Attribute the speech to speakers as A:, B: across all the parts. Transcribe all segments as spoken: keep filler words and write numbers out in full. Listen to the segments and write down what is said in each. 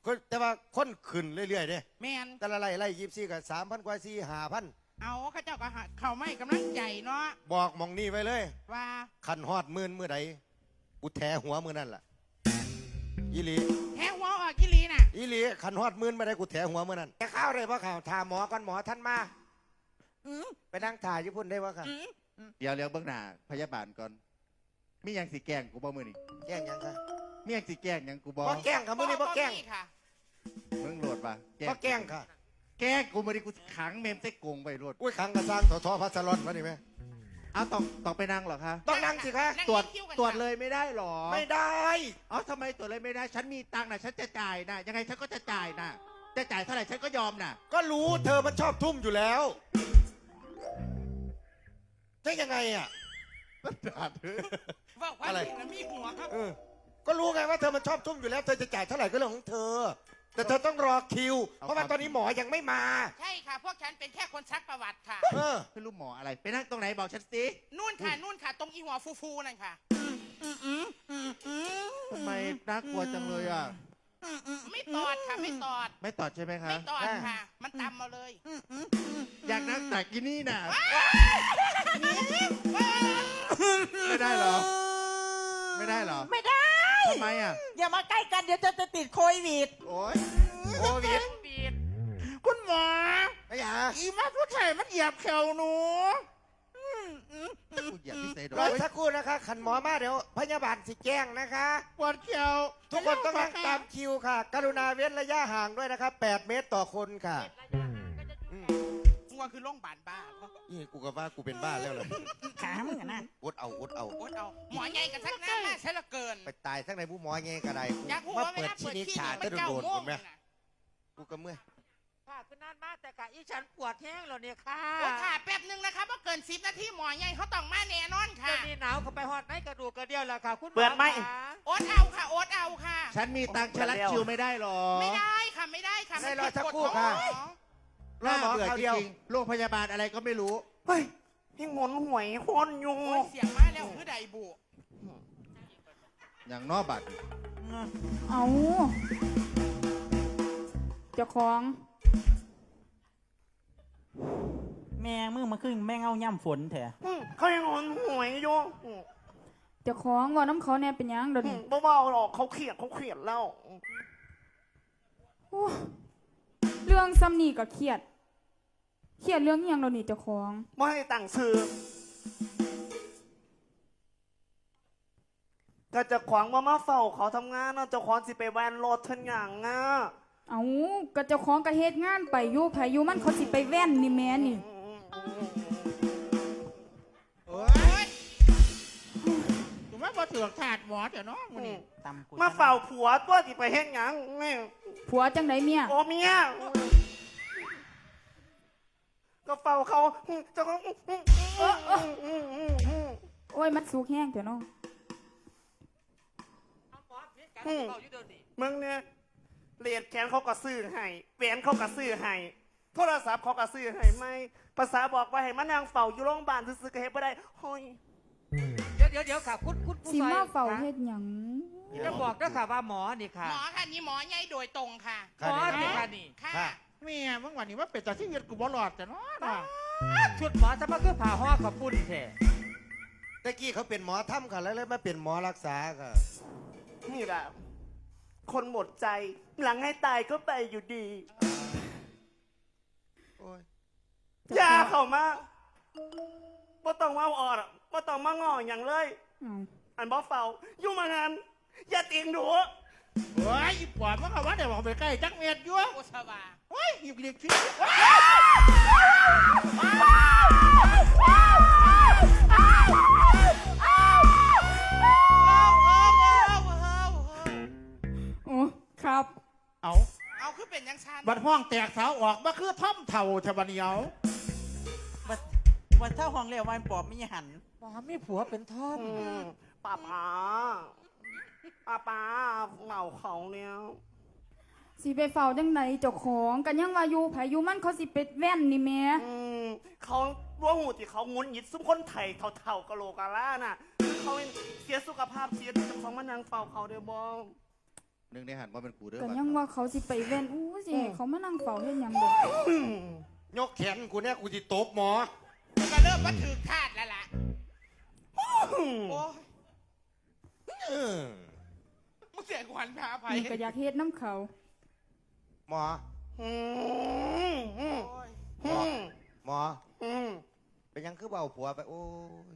A: แต่ว่าคนขึ้นเรื่อยๆเด้
B: แมน
A: แต่ละไล่ไล่ยิบซี่กับสามพันกว่าสี่ห้าพัน
B: เอาข้าเจ้าก็เขาไม่กำลังใจเนาะ
A: บอกมองนี่ไว้เลย
B: ว่า
A: ขันฮอดมื่นเมื่อใดกูแถหัวมือนั่นล่ะอีหลี
B: แทงหัวออกกิลีน่ะ
A: อีหลีขันฮอดมื่นเมื่อใดกูแถหัวมือนั่นแกข้าวเลยเพราะข่าวถามหมอก่อนหมอท่านมาไปนั่งถ่ายญี่ปุ่นได้วะค่ะ
C: เดี๋ยวเลี้ยวเบื้องหน้าพยาบาลก่อนมียังสีแกงกูบ่มือนี่
A: แกล้งยังคะ
C: มียังสีแกงยังกูบ่
A: บ่แกล้งค่ะมือนี่บ่แกล้ง
C: มึงโหลดป่ะ
A: บ่แกล้งค่ะ
C: แกงกูมือนี่กูขังเมมใส่กงไปโหลด
A: อุ้ยขังกระซังถอทอพัสลอนมาดิแม่
C: เอาต้องต้องไปนั่งหรอคะ
A: ต้องนั่งสิคะ
C: ตรวจตรวจเลยไม่ได้หรอ
A: ไม่ได้
C: อ๋อทำไมตรวจเลยไม่ได้ฉันมีตังค์นะฉันจะจ่ายนะยังไงฉันก็จะจ่ายนะจะจ่ายเท่าไหร่ฉันก็ยอมนะ
A: ก็รู้เธอมันชอบทุ่มอยู่แล้วจะยังไงอ่ะ
B: ว่าอะไรมีหัวครับ
A: ก็รู้ไงว่าเธอมันชอบทุ่มอยู่แล้วเธอจะจ่ายเท่าไหร่ก็เรื่องของเธอแต่เธอต้องรอคิวเพราะว่าตอนนี้หมอยังไม่มา
B: ใช่ค่ะพวกฉันเป็นแค่คนซักประวัติค่ะ
A: เออ
C: ไม่รู้หมออะไรไปนั่งตรงไหนบอกฉันสิ
B: นู่นค่ะนู่นค่ะตรงอีหัวฟูๆนั่นค่ะ
C: ทำไมน่ากลัวจังเลยอ่ะ
B: ไม่ตอดค่ะไม่ตอด
C: ไม่ตอดใช่ไหมคะ
B: ไม่ตอดค่ะมันตำมาเลย
C: อยากนั่งแต่กินนี่น่ะไม่ได้หรอไม่ได้หรอ
D: ไม่ได้
C: ทำไมอ่ะ
D: อย่ามาใกล้กันเดี๋ยวจะติดโควิด
C: โอ้ย
A: โควิด
C: คุณหมอ
A: ไอ้ยา
C: อีมาผู้ชายมันเหยียบเข่าหนูกูเหยียบที่เซด
A: รอสักครู่นะคะขันหมอมาเดี๋ยวพยาบาลสิแจ้งนะคะ
C: ปวดเข่า
A: ทุกคนต้องนั่งตามคิวค่ะกรุณาเว้นระยะห่างด้วยนะครับแปดเมตรต่อคนค่ะ
B: งัวคือโรงพยาบาลบ้า
A: นี่กูก็ว่ากูเป็นบ้าแล้วเลย
D: ขามึงอะนะ
A: อดเอาอดเอา
B: อดเอาหมอใหญ่กับทักน้ำมาใช่ละเกิน
A: ไปตายทั้งในผู้หมอไงกระได
B: กู
A: มาเปิดชีนิชาจะโดนคนไหมกูก็เมื่อย
D: ค่ะคือนานมากแต่กะอีฉันปวดแห้งแล้วเนี่ยค่ะ
B: โอ้ค่ะแป๊บนึงนะคะว่าเกินสิบนาทีหมอใหญ่เขาต้องมาแน่นอนค่ะ
D: นี่หนาวเขาไปหอดในกระดูกกระเดี่ยวแล้วค่ะคุณ
A: เปิดไหม
B: อดเอาค่ะอดเอาค่ะ
C: ฉันมีตังค์ฉันรัดคิวไม่ได้หรอ
B: ไม่ได้ค่ะไม่ได้ค่ะ
A: ไม่รอสักครู่ค่ะ
C: รอหมอเขาเดียวโรงพยาบาลอะไรก็ไม่รู้
A: เฮ้ยยังหมุนหวยคนอยู่
B: เสียงมาแล้วคือใดบุ
C: อย่างนอบัตร
E: เอาเจ้าของ
D: แม่มึงมาขึ้นแม่เงาย่ำฝนแถะ
A: เขายังหมุนหวยอยู่
E: เจ้าของว่าน้ำเขาเนี่ยเป็นยังเดี๋ยวนี้
A: เบาๆหรอกเขาเขียดเขาเขียดแล้ว
E: เรื่องซ้ำนี่ก็เครียดเครียดเรื่องยังเราหนีเจ้าของ
A: ไม่ให้ต่างซื้อก็จะขวางมามาเฝ้าเขาทำงานนะเจ้าของสิไปแวนรถทันอย่างอ่ะ
E: เอาก็เจ้าของก็เฮ็ดงานไปอยู่ไผอยู่มันเขาสิไปแว่นนี่แม่นี่
C: โอ้ยถูกไหมพอถือถาดหมอเดี๋ยวน้องมันนี่
A: มาเฝ้าผัวตัวสิไปเฮ็ดหยัง
E: ผัวจังไดเมีย
A: โอ้เมียก็เฝ้าเขาเจ้าของ
E: โอ้ยมัดสุกแห้งเดี๋ยวน้อง
A: มึงเนี่ยเลียดแขนเขาก็ซื้อให้แหวนเขาก็ซื้อให้โทรศัพท์เขาก็ซื้อให้ไม่ภาษาบอกว่าให้มานางเฝ้าอยู่โรงพยาบาลซื้อๆก็เฮ็ดบ่ได้โอ้ย
D: เดี๋ยวเดี๋ยวเดี๋ยวค่ะคุณคุณผู้
E: ชายสิมาเฝ้าเฮ็ดหยัง
D: จะบอกด้วยค่ะว่าหมอนี่ค่ะ
B: หมอค่ะนี่หมอใหญ่โดยตรงค่ะ
D: หมอนี่ค่ะนี่
B: ค่ะ
C: แม่เมื่อวันนี้ว่าเป็ดแต่ที่เวียดกูบ่หลอดแต่น้อ
D: ชุดหมอจะมาคือผ่าห่อกับปุ่นแท้
A: ตะกี้เขาเป็นหมอถ้ำค่ะแล้วเลยมาเป็นหมอรักษาค่ะนี่แหละคนหมดใจหลังให้ตายก็ไปอยู่ดียาเข้ามาบ่ต้องมาอ่อนบ่ต้องมาง่ออย่างเลยอันบ่เฝ้าอยู่มางานอย่าติงดู
C: โอ้ยปอดมันก็ว่าเดี๋ยวบอกไปใกล้จักเมียดยั่ว
B: โอชาวา
C: โอ้ยหยิบเรียกชิ้
E: โอ้ครับ
C: เอา
B: เอาคือเป็นยังชัน
C: บัดห้องแตกสาวออกมาคือท่อมเถ่าแถวเหนียว
D: บัดบัดเท่าห้องเลี้ยววันปอบไม่หันปอบไม่ผัวเป็นท่อม
A: ป้าป้าป้าป้าเหงาเขาเนี่ย
E: สิไปเฝ้าจังไหนเจ้าของกันยังว่าอยู่ไผอยู่มันเขาสิไปแว่นนี่แม่
A: เขาว่าหูที่เขางุนหยิดซุ้มคนไทยเท่าๆกะโหลกะล่าน่ะเขาเสียสุขภาพเสียเจ้าของมานางเฝ้าเขาเดี๋ยวบอ
C: หนึ่งในหันว่าเป็นกูเด้อ
E: กัน
C: บัด
E: ยังว่าเขาสิไปแว่นอู้สิให้เขามานั่งเฝ้าเฮ็ดหยังเด้อย
F: กแขนกูเนี่ยกูจะตบหมอ
B: ก็เริ่มว่าถือคาดแล้วล่ะโอ้ย
F: เออ
B: มึงเสียขวัญพาไป
E: นี่ก็อยากเฮ็ดน้ำเขา
F: หมอ
A: อืมอืม
B: โอ้ย
A: อืม
F: หมอ
A: อืม
F: เป็นยังคือเบาผัวไปโอ้ย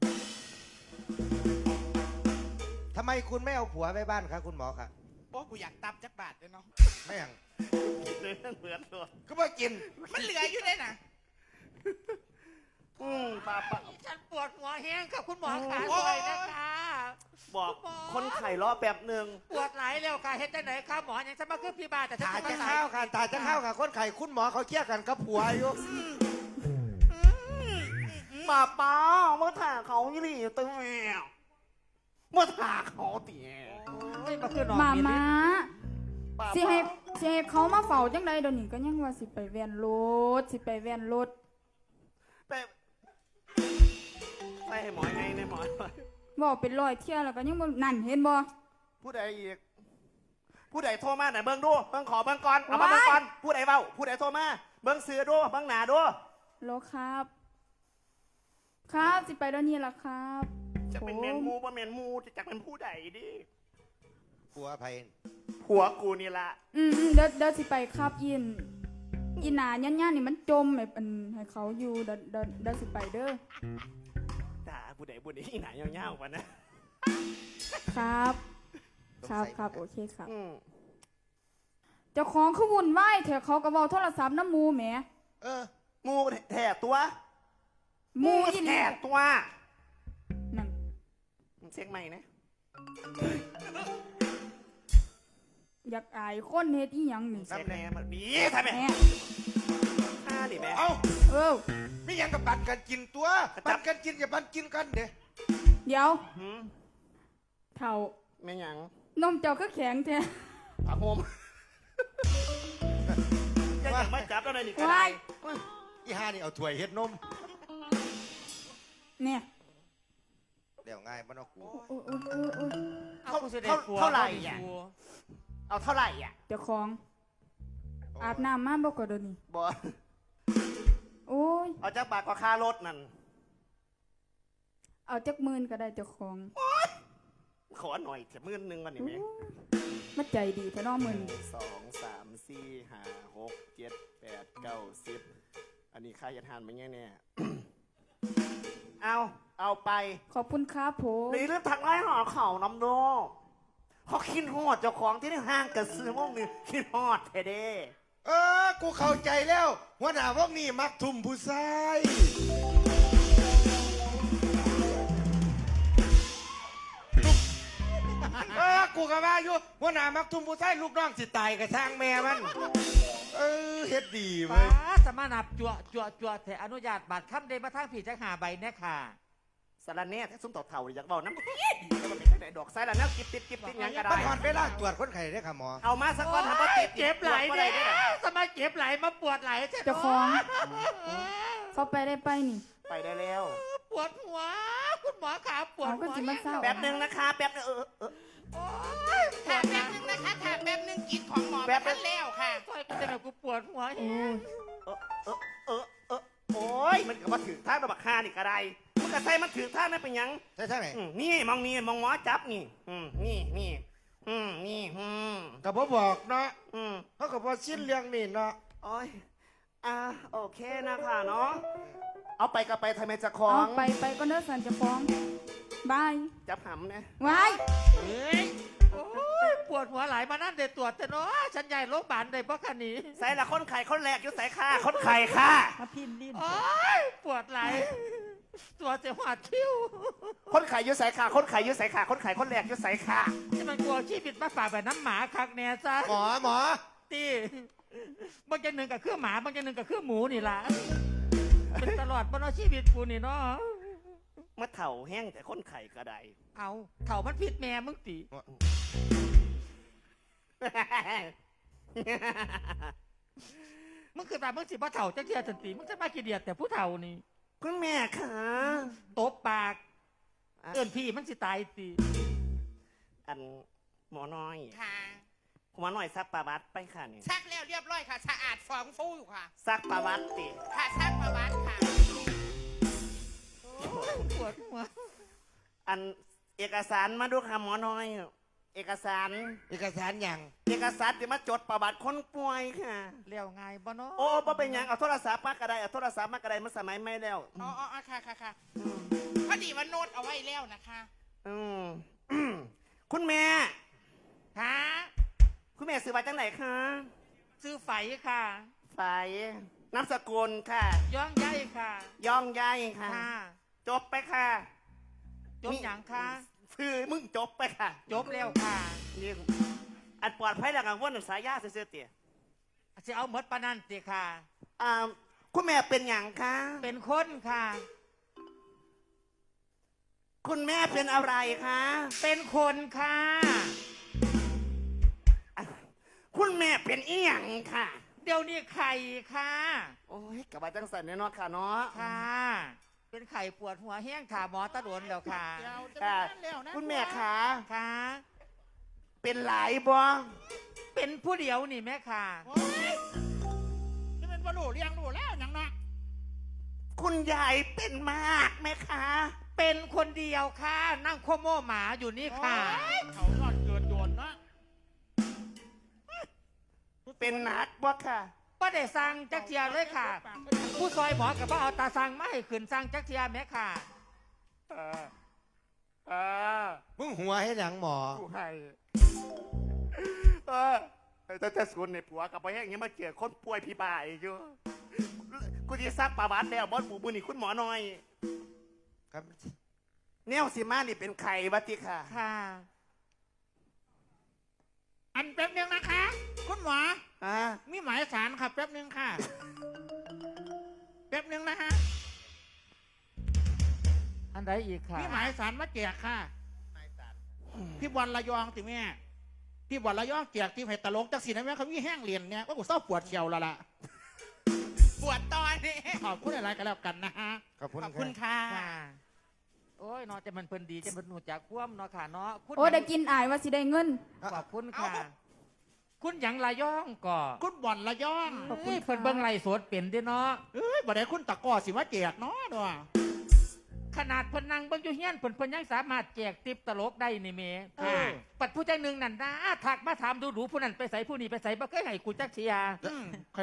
F: ทำไมคุณไม่เอาผัวไปบ้านคะคุณหมอคะ
B: โอ้กูอยากตับจักบาทเลยเนาะ
F: ไม่ยัง
A: เนื้อเหมือนตัว
F: ก็มากิน
B: มันเหลืออยู่ได้น่ะ
A: อืมป้าป้า
D: ฉันปวดหัวแห้งค่ะคุณหมอขา
B: โอ้
D: ช่วย ยนะคะ
A: บอกคนไข่รอแป๊บหนึ่ง
D: ปวดไหลแล้วค่ะเฮ็ดจังไหนคะหมอยังจะมาขึ้นพี่บาแต่ฉัน
F: ตา
D: ปว
F: จะ
D: ดไหล
F: เข้าค่ะตาจะเข้าค่ะคนไข่คุณหมอเขาเครียดกันกับผัวอยู่
A: ป้าป้าเมื่อถ่าเขายี่หลี่ตัวแมวเมื่อถ่าเขาเตี๋ย
D: โอ้ยมาขึ้นนอน
E: มา
D: มี
E: มา
A: ป้า
E: สิให้สิให้เขามาเฝ้าจังไดเดี๋ยวนี้ก็ยังว่าสิไปแว่นรถสิไปแว่นรถ
A: ไปไปให้หมอไงในหมอ
E: บอกเป็นร้อยเที่ยแล้วก็ยังบ่นั่นเห็นบ่
A: ผู้ใดอีก ผู้ใดโทรมาไหนเบิ้งดูเบิ้งขอเบิ้งก่อนเอามาเบิ้งก่อนผู้ใดเบ้าผู้ใดโทรมาเบิ้งซื้อดูเบิ้งหนาดู
E: โลครับ ครับสิไปแล้วนี่ล่ะครับ
A: จะเป็นเมนมูบ่เมนมูจะจักเป็นผู้ใดดิ
F: ผัวไผ่
A: ผัวกูนี่ละ
E: อืมอืมเดี๋ยวเดี๋ยวสิไปครับยินอีหนาย่านๆนี่มันจมให้เป็นให้เขาอยู่เดี๋ยวเดี๋ยวเดี๋ยวสิไปเด้อ
A: ด่าผู้ใดผู้ใดที่ไหนยาวๆกว่านะ
E: ครับ ครับครับโอเคครับ
A: อืม
E: เจ้าของคือวุ่นวายแถเขาก็เว้าโทรศัพท์น้ำหมูแหม
F: เออ
A: มูแถ่ตัว
E: หมูอีหลี
A: แถ่ตัว
E: นั่น
A: เช็คใหม่นะ
E: อยากอายคนเฮ็ดอีหยังนี่
A: เช็คแน่มันดีทำไม
E: แหม
A: ฆ่าดิแม่
F: เอ้า
E: เออ
F: ไม่ยังกับปันกันกินตัวปันกันกินกับปันกินกันเด้
E: เดี๋ยว
A: หืม
E: เท่า
A: ไม่หยัง
E: นมเจ้าก็แข็งแท้
A: ผักโฮมจะยังไม่จับแล้วเลยนี่ก็ได้
E: ว้าย
F: อีห้านี่เอาถ้วยเฮ็ดนม
E: เนี่ย
F: เดี๋ยวง่ายมันเอากู
E: โอ้ยโอ้ยโอ้ยโอ้ย
D: เอากูสิได้ผัว
A: เท่าไหร่
D: บ่มี
A: อ่ะ
D: ผัว
A: เอาเท่าไหร่อ่ะ
E: เจ้าของอาบน้ำมาบ่ก็เดี๋ยวนี้
A: บอ
E: โอ้ย
A: เอาจากบาทก็ค่ารถนั่น
E: เอาจักหมื่นก็ได้เจ้าของ
A: ขอหน่อยจะมื่นหนึงก่อนนี่แม่
E: มาใจดีแท้เน้อ
A: ห
E: มึ
A: นึ่
E: ง
A: งสองสามสี่ห้าหกเจ็ดแปดเก้าสิบอันนี้ค่ายันทานไหมเนี่ยเนี่ย เอาเอาไป
E: ขอบคุณครับผม
A: ในเรื่องทางไล่หอเขาน้ำโดเขาคิดฮอดเจ้าของที่ในห้างกระซื้อม่งนี่คิดฮอดเทเด้
F: เออ กูเข้าใจแล้วหัวหน้าพวกนี้มักทุ่มผู้ชายเออ กูก็ว่าอยู่หัวหน้ามักทุ่มผู้ชายลูกน้องสิตายกับทางแม่มัน เออเฮ็ดดี
D: ป้า
F: เว้ย
D: สมานับจั่วจั่วจั่วแต่อนุญาตบัตรคำเดมาทางผีจักหาใบแน่ค่ะ
A: สารแหน่ถ้าซุ้มต่อเท่าอยากบอกน้ำแล้วมันเป็นจังไดดอกไซแล้วนะกิบติดกิบติดหยังก็
F: มัน
A: ได้
F: หอดเวลาตรวจคนไข้ได้อค่ะหมอ
A: เอามาสักวันทำว่าติด
D: เจ็บไหล
A: ตรวจบ่
D: เนี่
A: ได้
D: ย
A: ด้อ
D: สมาเจ็บไหลมาปวดไหลใช่ไหม
E: เจ้าของ เขาไปได้ไปนี่
A: ไปได้แล้ว
D: ปวดหัว คุณหมอขาปวด
E: เอาก็
D: หัว
E: สิมาเศร้า
A: แป๊บหนึ่งนะคะแป๊บหนึงเออเออ
D: โอ้ยป
B: ถาว ม
D: ด
B: แป๊
D: นะ
B: บนึงนะคะถามแป๊บนึงกินของหมอ
A: แป๊บนึ
B: มาง แล้วค่ะ
D: ซอยกูจะแบบกูปวดหัว
E: โอ้ย
A: เออเออเออเออโอ้ยมันก็มาถือท่าระบักคานี่ก็ได้มันก็ใส่มันถือท่านั่นเป็นหยัง
F: ใช่ใช่ไหม
A: อืมนี่มองนี่มองหมอจับนี่อืมนี่นี่อืมนี่อืม
F: กับพ่บอกเนาะ
A: อืม
F: เขากับพ่ชิ้นเรื่องนี่เนาะ
A: โอ้ยอ่าโอเคนะคะเนาะเอาไปก็ไปทำไมจะคล้อ
E: เอา
A: ง
E: ไปไปก็เด้อสันเจ้าของบาย
A: จับหำนะ
E: ว้าย
D: เฮ้ยโอ้ยปวดหัวไหลมานั่นเด็ดตรวจแต่เนาะฉันใหญ่โรงพยาบาลเลยเพราะคันนี้
A: ใส่ละคนไข่คนแรกอยู่ใส่ค่าคนไข่ค่ะ
E: มาพินลิ้น
D: โอ้ยปวดไหลตัวจะหวาดคิ้ว
A: คนไข่อยู่ใส่ค่าคนไข่อยู่ใส่ค่าคนไข่คนแรกอยู่ใส่ค่า
D: นี่มันกลัวชีวิตมาฝากแบบน้ำหมาคักแน่ซะ
F: หมอหมอ
D: ตีบางอย่างหนึ่งกับเครื่องหมาบางอย่างหนึ่งกับเครื่องหมูนี่ล่ะเป็นตลอดบนชีวิตกูนี่เนาะ
A: เมื่อเถ่าแห้งแต่คนไข่ก็ได้
D: เอาเถ่ามันผิดแม่มึงตีมึงคือตามึงสิบ่เถ่าจักเทียสันติมึงจะมากี่เดียดแต่ผู้เถ่านี่
A: คุณแม่ค่ะ
D: ตบปากเอิ้นพี่มันสิตายตี
A: อันหมอน้อย
B: ค่ะ
A: หัวหน่อยซักประวัติไปค่ะนี่
B: ซักแล้วเรียบร้อยค่ะ สะอาดฟองฟูอยู่ค่ะ
A: ซักประวัติติ
B: ค่ะซักประวัติค่ะ
D: ปวดหัว
A: อันเอกสารมาดูค่ะหมอน้อย เอกสาร
F: เอกสารอย่าง
A: เอกสารที่มาจดประวัติคนป่วยค่ะ
D: เลี้ยวไงบ่เนาะ
A: โอ้บ่เป็นหยังเอาโทรศัพท์มากระไดเอาโทรศัพท์มากระไดมันสมัยไม่แล้ว
B: อ๋ออ๋อค่ะค่ะค่ะพอดีว่าโน้ตเอาไว้แล้วนะคะ
A: อืม คุณแม่
D: ค่ะ
A: คุณแม่ซื้อมาจากไหนคะ
D: ซื้อไฝค่ะ
A: ฝ่ายนามสกุลค่ะ
D: ย่องใยค่ะ
A: ย่องใยค่ะ
D: ค่ะ
A: จบไปค่ะ
D: จบหยังค่ะ
A: คือมึงจบไปค่ะ
D: จบแล้วค่ะ
A: นี่อันปลอดภัยแล้วกังวลสายยาเสียเตี๋ย
D: สิเอาหมดปานนันติค่ะ
A: อ่าคุณแม่เป็นอย่างคะ
D: เป็นคนค่ะ
A: คุณแม่เป็นอะไรคะ
D: เป็นคนค่ะ
A: คุณแม่เป็นอีหยังค่ะ
D: เดี๋ยวนี้ไข่ค่ะ
A: โอ้ยกลับมาจังสันแน่นอนค่ะเนาะ
D: ค่ะ เป็นไข่ปวดหัวแห้งค่ะหมอตะโดนแล้วค่ะ
B: เดี๋ยวจะ
A: ค่ะ
B: เป็นแล้วนะ
A: คุณแม่คะ
D: ค่ะ
A: เป็นหลายบ่
D: เป็นผู้เดียวนี่แม่ค่ะ
B: โอ้ยจะเป็นบรรลุเรียงรู้แล้วยังนะ
A: คุณยายเป็นมากไหมคะ
D: เป็นคนเดียวค่ะ นั่งโคโม่หมาอยู่นี่ค่ะ
B: โอ้ยเขายอดเกินโยนนะ
A: เป็นหนักบ่ค่ะ
D: ป้าได้สั่งจักเทียเลยค่ะ ผู้ซอยหมอกับป้าเอาตาสั่งมาให้ขึ้นสั่งจักเทียแม่ค่ะ
A: เออเออ
F: มึงหัวให้หยังหมอ
A: กูให้เออแต่แต่ส่วนในผัวกับไปแห้งยังมาเกี่ยคนป่วยพี่บายอยู่กูจะซักประวัติแล้วบอสปูมือนี่คุณหมอหน่อย
F: ครับ
A: แนวสิมานี่เป็นไข่วัติค่ะ
D: ค่ะ
B: อันแป๊บนึงนะคะ คุณหมอ
A: อ่า
B: มีหมายสารค่ะแป๊บนึงค่ะ แป๊บนึงนะฮะ
D: อันใดอีกค่ะ
B: มีหมายสารมาแจกค่ะพี่บอลระยองสิแม่พี่บอลระยองแจกที่ไผ่ตลกจักสีนะแม่เขามีแห้งเรียนเนี่ยว่ากูเศร้าปวดเขียวแล้วล่ะ ปวดตอนนี้ขอบคุณอะไรกันแล้วกันนะฮะ
F: ขอบคุณ
B: ขอบคุณ
F: ค่ะ
B: ค่ะ
D: ค่ะ โอ้ยเนาะจะมันเพิ่นดีจะมันหนูจากคว่ำเนาะค่ะเนาะคุณ
E: โอ้ได้กินอายว่าสิได้เงิน
D: ขอบคุณค่ะ
B: เอา
D: คุณหยังระย่องก่อ
B: คุณบอลระยอง
D: ขอบคุณเพิ่นเบิ่งไล่สดเป็นเด้เนาะ
B: เอ้ยบ่ได้คุณตะกร้อสิมาแจกเนาะด้วย
D: ขนาดเพิ่นนั่งเบิ่งอยู่เฮียนเพิ่นเพิ่นยังสามารถแจกติปตลกได้นี่เม
B: ค่ะ
D: ปัดผู้ใจหนึ่งนั่นนะทักมาถามดูดูผู้นั้นไปใส่ผู้นี้ไปใส่บ่เคยให้กูจักเชีย
B: อืม